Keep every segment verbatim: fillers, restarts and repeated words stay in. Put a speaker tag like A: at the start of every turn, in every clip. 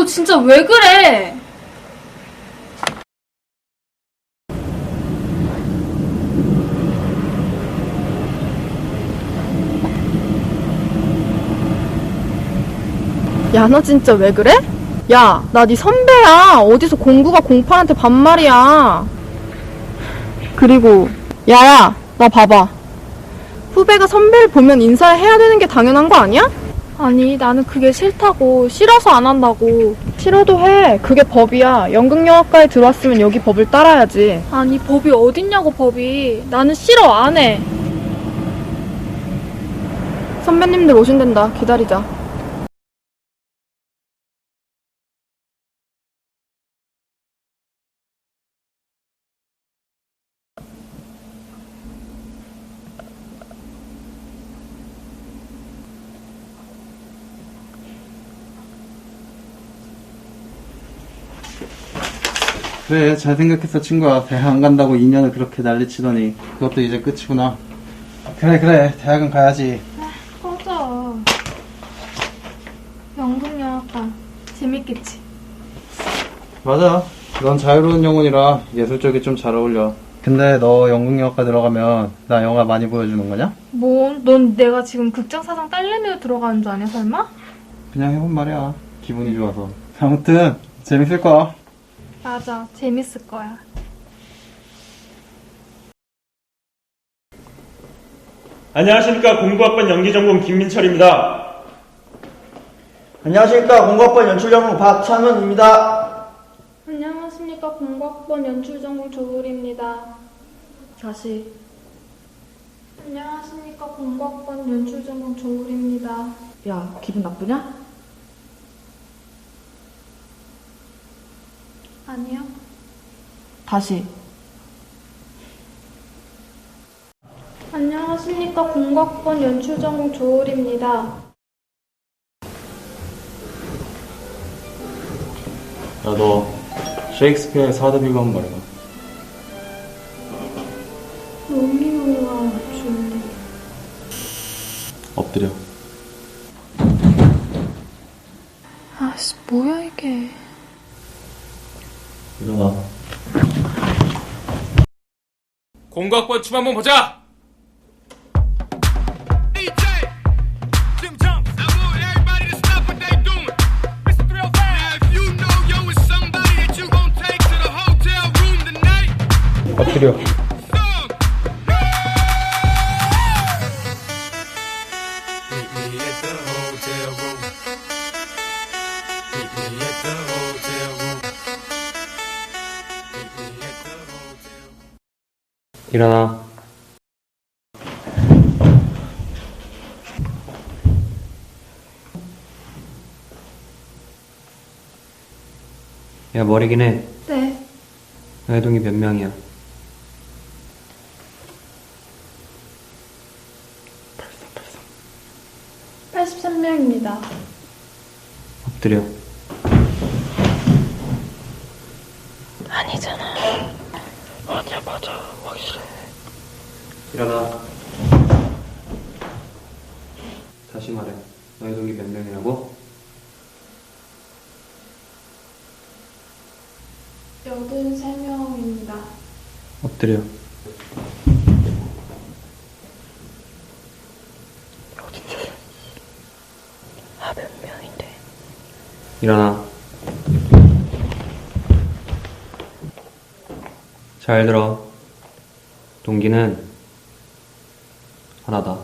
A: 진짜 왜 그래?
B: 야, 너 진짜 왜 그래? 야, 나 네 선배야. 어디서 공구가 공팔한테 반말이야. 그리고 야야, 나 봐봐. 후배가 선배를 보면 인사를 해야 되는 게 당연한 거 아니야?
A: 아니, 나는 그게 싫다고. 싫어서 안 한다고.
B: 싫어도 해. 그게 법이야. 연극영화과에 들어왔으면 여기 법을 따라야지.
A: 아니, 법이 어딨냐고, 법이. 나는 싫어, 안 해.
B: 선배님들 오신댄다. 기다리자.
C: 그래, 잘 생각했어, 친구야. 대학 안 간다고 이 년을 그렇게 난리치더니 그것도 이제 끝이구나. 그래 그래, 대학은 가야지.
A: 꺼져. 연극영화과 재밌겠지?
C: 맞아, 넌 자유로운 영혼이라 예술 쪽이 좀 잘 어울려. 근데 너 연극영화과 들어가면 나 영화 많이 보여주는 거냐?
A: 뭐? 넌 내가 지금 극장사장 딸내미로 들어가는 줄 아냐, 설마?
C: 그냥 해본 말이야, 기분이 좋아서. 아무튼 재밌을 거야.
A: 맞아, 재밌을 거야.
D: 안녕하십니까. 공부학번 연기전공 김민철입니다.
E: 안녕하십니까. 공부학번 연출전공 박찬원입니다.
A: 안녕하십니까. 공부학번 연출전공 조울입니다. 다시. 안녕하십니까. 공부학번 연출전공 조울입니다.
B: 야, 기분 나쁘냐?
A: 아니요.
B: 다시.
A: 안녕하십니까. 공부학번 연출전공 조울입니다.
D: 야, 너 셰익스피어의 사드비고 한번 말해봐.
A: 로미오와 줄리.
D: 엎드려.
A: 아씨, 뭐야 이게.
D: 일어나.
F: 공각번 춤 한번 보자!
C: 엎드려.
D: 일어나. 야, 머리긴 해.
A: 네.
D: 애동이 몇 명이야?
A: 팔십삼 명입니다.
D: 엎드려.
B: 아니잖아.
E: 아니야, 맞아. 확실해.
D: 일어나. 다시 말해. 너의 동기 몇 명이라고?
A: 여든세 명입니다.
D: 엎드려.
B: 아, 몇 명인데.
D: 일어나. 잘 들어. 동기는 하나다.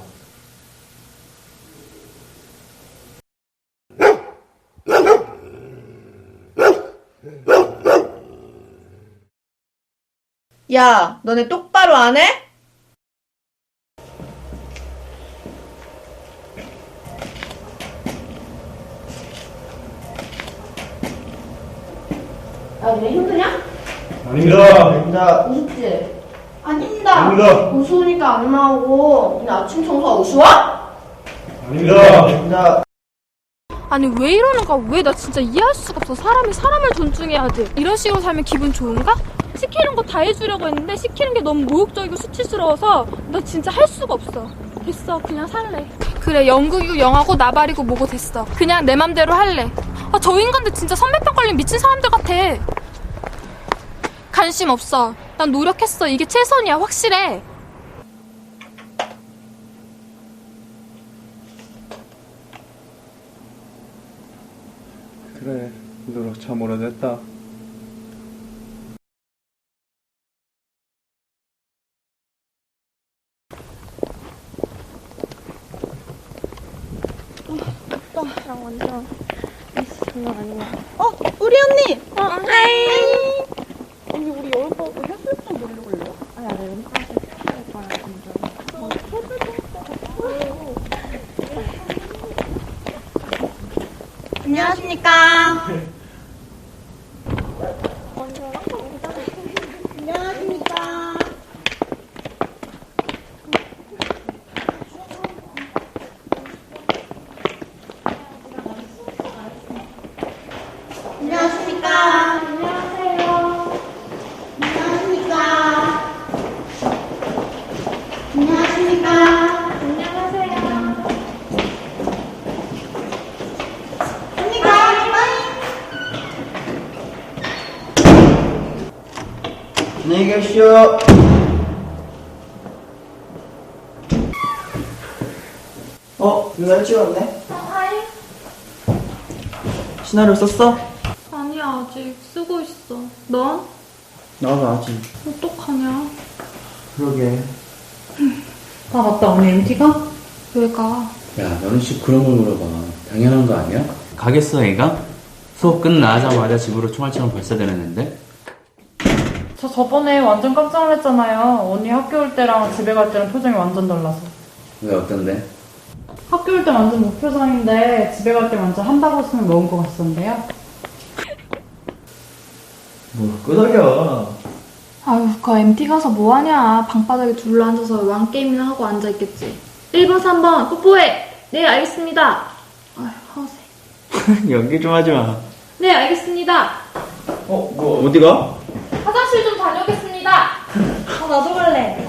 B: 야, 너네 똑바로 안 해? 야, 너네 힘드냐?
D: 아닙니다.
E: 아닙니다.
B: 우습지? 아닙니다.
D: 아닙니다.
B: 우스우니까 안 나오고, 니네 아침 청소가 우스워?
D: 아닙니다.
E: 아닙니다.
A: 아니 왜 이러는 거야? 왜? 나 진짜 이해할 수가 없어. 사람이 사람을 존중해야 돼. 이런 식으로 살면 기분 좋은가? 시키는 거 다 해주려고 했는데 시키는 게 너무 모욕적이고 수치스러워서 나 진짜 할 수가 없어. 됐어, 그냥 살래. 그래, 연극이고 영화고 나발이고 뭐고 됐어. 그냥 내 맘대로 할래. 아, 저 인간들 진짜 선배병 걸린 미친 사람들 같아. 관심 없어. 난 노력했어. 이게 최선이야. 확실해.
C: 그래, 노력 참 오래됐다.
B: 어, 우리 언니!
A: 어, 하이.
B: 언니, 우리 여름방학 해수욕장 놀러 올래요? 아니, 아니, 여름방학 할 거야, 진짜. 안녕하십니까. 안녕하십니까. 안녕하십니까. 안녕하세요. 안녕하십니까. 안녕하십니까. 안녕하세요. 언니가
E: 안녕히 계십시오. 어, 누나 일찍 왔네?
A: 하이.
E: 시나리오 썼어?
A: 아니야, 아직 쓰고 있어. 넌?
E: 나도 아직.
A: 어떡하냐?
E: 그러게.
G: 아 맞다, 언니 엠티가?
A: 왜 가?
H: 야, 너는 씨 그런 걸 물어봐. 당연한 거 아니야? 가겠어, 애가? 수업 끝나자마자 집으로 총알처럼 발사되는데?
G: 저 저번에 완전 깜짝 놀랐잖아요. 언니 학교 올 때랑 집에 갈 때랑 표정이 완전 달라서.
H: 왜 어떤데?
G: 학교 올 때 완전 무표정인데 집에 갈 때 완전 한바구음을 먹은 것 같던데요?
E: 뭐, 끄덕여.
A: 아유, 그 엠티 가서 뭐하냐. 방바닥에 둘러앉아서 왕게임이나 하고 앉아있겠지. 일 번, 삼 번 뽀뽀해. 네, 알겠습니다. 아유, 허세.
E: 연기 좀 하지 마.
A: 네, 알겠습니다.
E: 어, 뭐, 어디가?
A: 화장실 좀 다녀오겠습니다.
G: 어, 나도 갈래.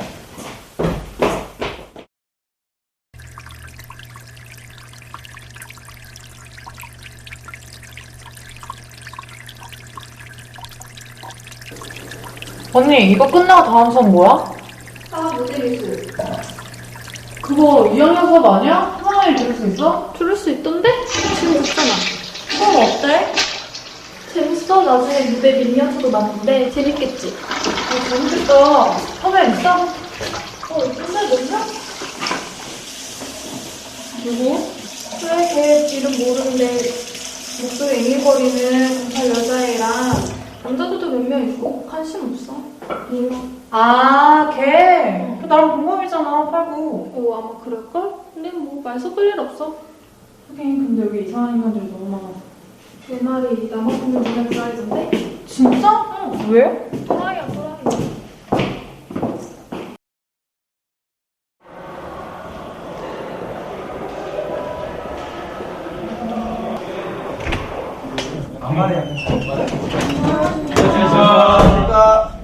G: 언니, 이거 끝나고 다음 수업 뭐야?
A: 아, 모델리스.
G: 그거 이 학년 수업 아니야? 하나에 들을 수 있어?
A: 들을 수 있던데? 지금 듣잖아.
G: 수업 어때?
A: 재밌어. 나중에 무대 미니어처도 나는데 재밌겠지?
G: 어, 재밌겠다. 선배 있어?
A: 어, 근데 너냐?
G: 누구?
A: 그래, 걔 이름 모르는데 목소리 앵앵거리는 공팔 여자애랑 남자들도 몇 명 있고 관심 없어. 이거.
G: 아, 걔. 그 나랑 동갑이잖아, 팔구.
A: 어, 아마 그럴걸? 근데 뭐 말 섞을 일 없어.
G: 하긴, 근데 여기 이상한 인간들이 너무 많아서.
A: 내 말이 나만 보면 눈에 들어있던데?
G: 진짜? 응. 왜?
A: 또라이야, 또라이.
E: 안녕하십니까.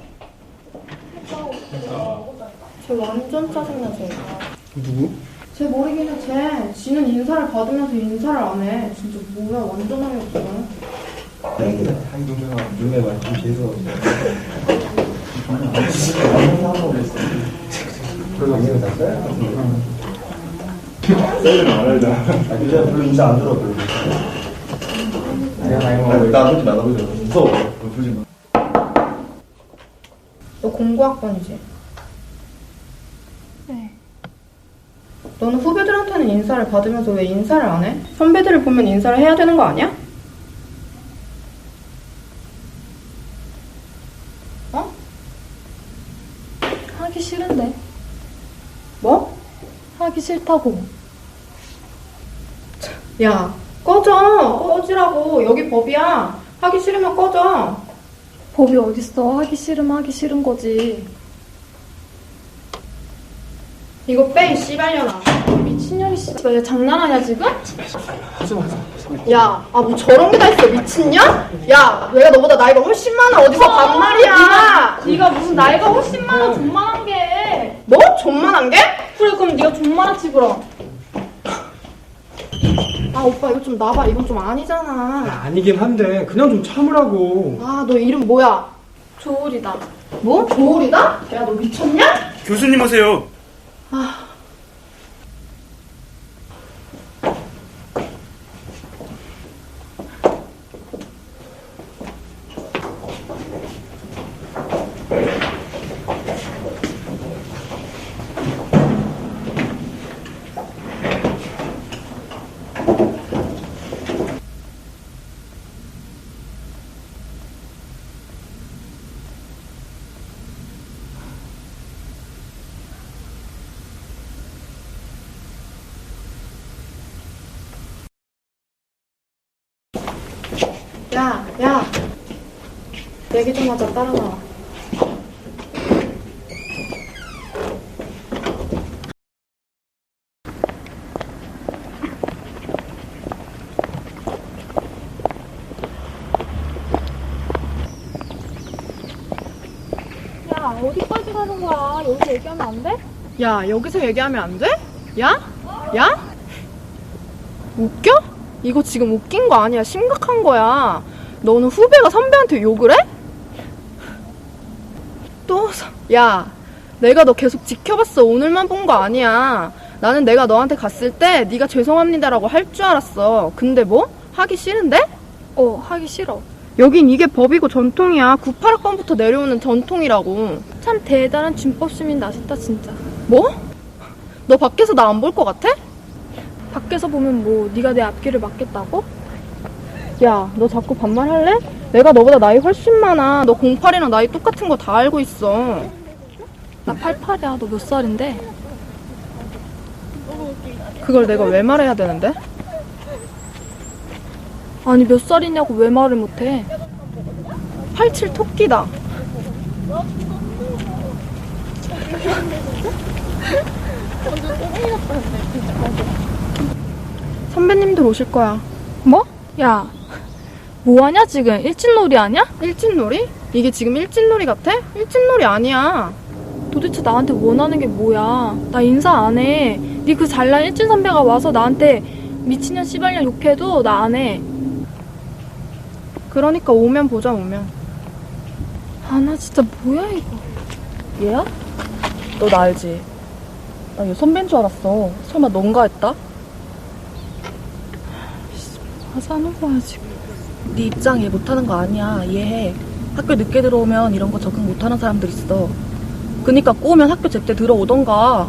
B: 쟤 완전 짜증나, 쟤.
C: 누구?
B: 쟤 모르긴 해, 쟤. 지는 인사를 받으면서 인사를 안 해. 진짜 뭐야, 완전 어이없어.
E: 한동생아, 눈에 말좀 재수. 그래도 이해가 났어요? 셀을 안 할다. 아, 그냥 별로 인사 안 들어, 별로. 나 보지 마, 나 보지 마. 무서워. 보지 마.
B: 너 공부학번이지?
A: 네.
B: 너는 후배들한테는 인사를 받으면서 왜 인사를 안 해? 선배들을 보면 인사를 해야 되는 거 아니야? 어?
A: 하기 싫은데.
B: 뭐?
A: 하기 싫다고.
B: 야, 꺼져. 꺼지라고. 여기 법이야. 하기 싫으면 꺼져.
A: 법이 어딨어. 하기 싫으면 하기 싫은 거지.
B: 이거 빼, 이 씨발년아.
A: 미친년이 씨발. 얘 장난하냐 지금?
B: 야, 아, 뭐 저런 게 다 있어. 미친년? 야, 내가 너보다 나이가 훨씬 많아. 어디서 반말이야.
A: 네가 무슨 나이가 훨씬 많아. 존만한 게.
B: 뭐? 존만한 게?
A: 그래, 그럼 네가 존만하지 그럼.
B: 아 오빠 이거 좀 놔봐. 이건 좀 아니잖아.
E: 야, 아니긴 한데 그냥 좀 참으라고.
B: 아 너 이름 뭐야?
A: 조울이다.
B: 뭐? 조울이다? 야 너 미쳤냐?
F: 교수님 오세요.
B: 야, 야. 얘기 좀 하자. 따라 나와.
A: 야, 어디까지 가는 거야? 여기서 얘기하면 안 돼?
B: 야, 여기서 얘기하면 안 돼? 야? 야? 웃겨? 이거 지금 웃긴 거 아니야. 심각한 거야. 너는 후배가 선배한테 욕을 해? 또, 서- 야, 내가 너 계속 지켜봤어. 오늘만 본 거 아니야. 나는 내가 너한테 갔을 때 네가 죄송합니다라고 할 줄 알았어. 근데 뭐? 하기 싫은데?
A: 어, 하기 싫어.
B: 여긴 이게 법이고 전통이야. 구십팔 학번부터 내려오는 전통이라고.
A: 참 대단한 준법 시민 나셨다, 진짜.
B: 뭐? 너 밖에서 나 안 볼 것 같아?
A: 밖에서 보면 뭐 네가 내 앞길을 막겠다고?
B: 야, 너 자꾸 반말할래? 내가 너보다 나이 훨씬 많아. 너 공팔이랑 나이 똑같은 거 다 알고 있어.
A: 나 팔팔이야. 너 몇 살인데?
B: 그걸 내가 왜 말해야 되는데?
A: 아니 몇 살이냐고 왜 말을 못해?
B: 팔칠 토끼다. 선배님들 오실 거야.
A: 뭐? 야, 뭐하냐 지금? 일진놀이 아냐?
B: 일진놀이? 이게 지금 일진놀이 같아? 일진놀이 아니야.
A: 도대체 나한테 원하는 게 뭐야? 나 인사 안 해. 네 그 잘난 일진 선배가 와서 나한테 미친년 씨발년 욕해도 나 안 해.
B: 그러니까 오면 보자, 오면.
A: 아, 나 진짜 뭐야 이거.
B: 얘야? 너 나 알지? 나 얘 선배인 줄 알았어. 설마 넌가 했다?
A: 하자는 거야 지금.
I: 네 입장 이해 못하는 거 아니야. 이해해. 학교 늦게 들어오면 이런 거 적응 못하는 사람들 있어. 그니까 꼬우면 학교 제때 들어오던가.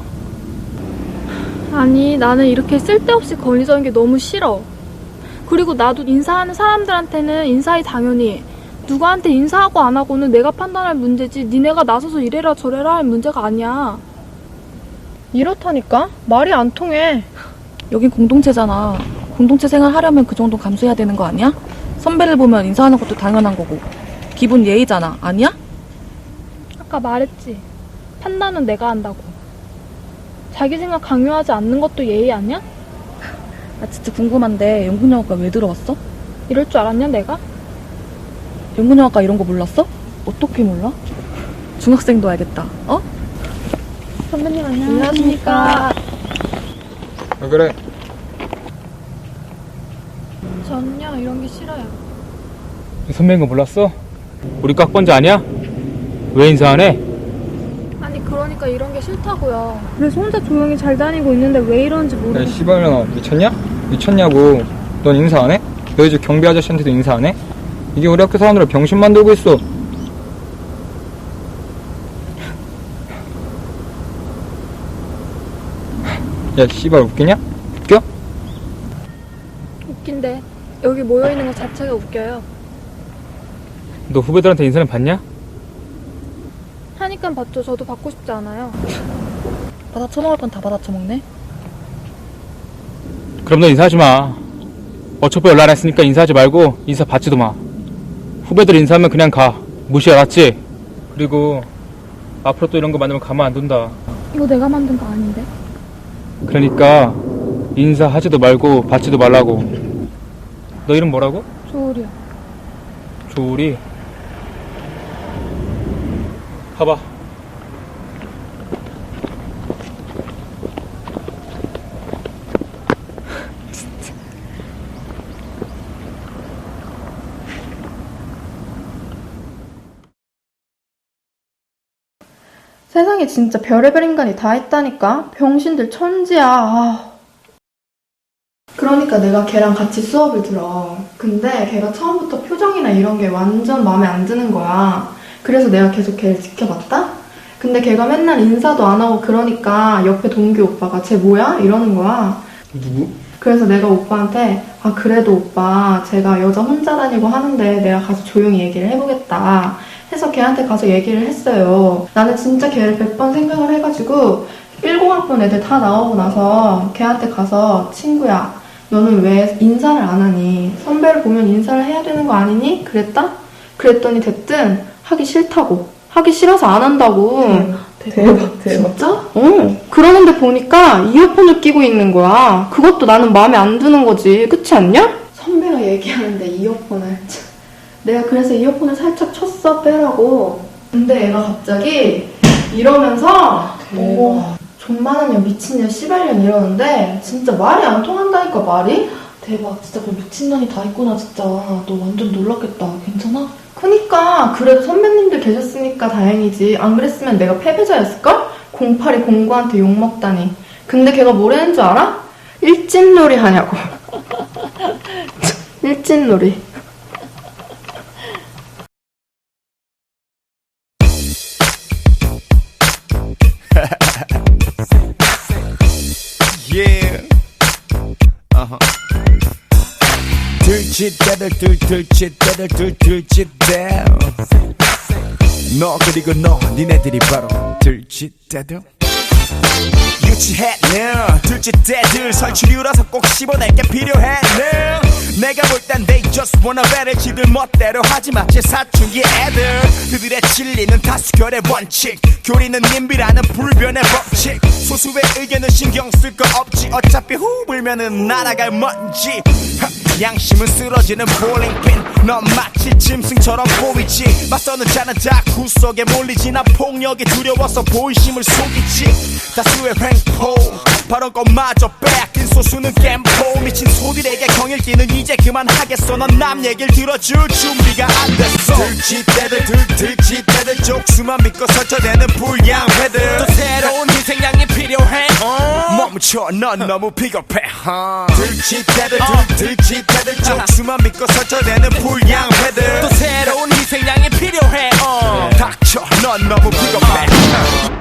A: 아니 나는 이렇게 쓸데없이 건의적인 게 너무 싫어. 그리고 나도 인사하는 사람들한테는 인사해 당연히. 누구한테 인사하고 안 하고는 내가 판단할 문제지 니네가 나서서 이래라 저래라 할 문제가 아니야.
B: 이렇다니까? 말이 안 통해.
I: 여긴 공동체잖아. 공동체 생활 하려면 그 정도 감수해야 되는 거 아니야? 선배를 보면 인사하는 것도 당연한 거고. 기본 예의잖아. 아니야?
A: 아까 말했지. 판단은 내가 한다고. 자기 생각 강요하지 않는 것도 예의 아니야?
I: 나 진짜 궁금한데 연극영화과 왜 들어왔어?
A: 이럴 줄 알았냐 내가?
I: 연극영화과 이런 거 몰랐어? 어떻게 몰라? 중학생도 알겠다. 어?
A: 선배님 안녕하십니까.
E: 왜 그래?
A: 전요 이런 게 싫어요.
F: 선배인 거 몰랐어? 우리 깍번지 아니야? 왜 인사 안 해?
A: 아니 그러니까 이런 게 싫다고요. 그래서 혼자 조용히 잘 다니고 있는데 왜 이러는지
E: 야,
A: 모르겠어.
E: 씨발년아, 미쳤냐? 미쳤냐고. 넌 인사 안 해? 너희 집 경비 아저씨한테도 인사 안 해? 이게 우리 학교 사람들을 병신 만들고 있어. 야, 씨발 웃기냐? 웃겨?
A: 웃긴데 여기 모여있는 것 자체가 웃겨요.
F: 너 후배들한테 인사는 받냐?
A: 하니까 받죠. 저도 받고 싶지 않아요.
I: 받아 처먹을 건 다 받아 처먹네.
F: 그럼 너 인사하지 마. 어차피 연락 안 했으니까 인사하지 말고 인사 받지도 마. 후배들 인사하면 그냥 가. 무시 알았지? 그리고 앞으로 또 이런 거 만들면 가만 안 둔다.
A: 이거 내가 만든 거 아닌데?
F: 그러니까 인사하지도 말고 받지도 말라고. 너 이름 뭐라고?
A: 조울이요.
F: 조울이. 가봐.
B: 세상에 진짜 별의별 인간이 다 있다니까. 병신들 천지야. 아. 그러니까 내가 걔랑 같이 수업을 들어. 근데 걔가 처음부터 표정이나 이런 게 완전 마음에 안 드는 거야. 그래서 내가 계속 걔를 지켜봤다? 근데 걔가 맨날 인사도 안 하고 그러니까 옆에 동기 오빠가 쟤 뭐야? 이러는 거야.
C: 누구?
B: 그래서 내가 오빠한테 아 그래도 오빠 제가 여자 혼자 다니고 하는데 내가 가서 조용히 얘기를 해보겠다 해서 걔한테 가서 얘기를 했어요. 나는 진짜 걔를 백 번 생각을 해가지고 일공학번 애들 다 나오고 나서 걔한테 가서 친구야 너는 왜 인사를 안 하니? 선배를 보면 인사를 해야 되는 거 아니니? 그랬다? 그랬더니 됐든 하기 싫다고. 하기 싫어서 안 한다고.
I: 대박, 대박.
B: 진짜? 어. 그러는데 보니까 이어폰을 끼고 있는 거야. 그것도 나는 마음에 안 드는 거지. 그렇지 않냐? 선배가 얘기하는데 이어폰을. 내가 그래서 이어폰을 살짝 쳤어 빼라고. 근데 얘가 갑자기 이러면서 어머 존만한 년 미친년 씨발년 이러는데 진짜 말이 안 통한다니까 말이?
I: 대박, 진짜 그 미친년이 다 있구나, 진짜. 너 완전 놀랐겠다. 괜찮아?
B: 그니까 그래도 선배님들 계셨으니까 다행이지. 안 그랬으면 내가 패배자였을걸? 공팔이 공구한테 욕먹다니. 근데 걔가 뭐라는 줄 알아? 일진놀이 하냐고. 일진놀이.
J: Yeah. Uh-huh. 들쥐대들 들들쥐대들 들들쥐대 너 그리고 너 니네들이 바로 들쥐대들 유치했네 들쥐대들 설치류라서 꼭 씹어낼 게 필요했네 내가 볼 땐 they just wanna better 지들 멋대로 하지마 제 사춘기 애들 그들의 진리는 다수결의 원칙 교리는 님비라는 불변의 법칙 소수의 의견은 신경 쓸 거 없지 어차피 후 불면은 날아갈 먼지 양심은 쓰러지는 볼링핀 넌 마치 짐승처럼 보이지 맞서는 자는 다구 속에 몰리지 난 폭력이 두려워서 본심을 속이지 다수의 횡포 발언권마저 빼앗긴 소수는 겜포 미친 소들에게 경일기는 이제 그만하겠어 넌 남 얘길 들어줄 준비가 안 됐어 들쥐대들 들들쥐대들 족수만 믿고 설쳐대는 불량배들 또 새로운 희생양이 필요해 어? 멈춰 넌 너무 비겁해 어? 들쥐대들 들들쥐대들 족수만 믿고 설쳐대는 불량배들 또 새로운 희생양이 필요해 어? 닥쳐 넌 너무 비겁해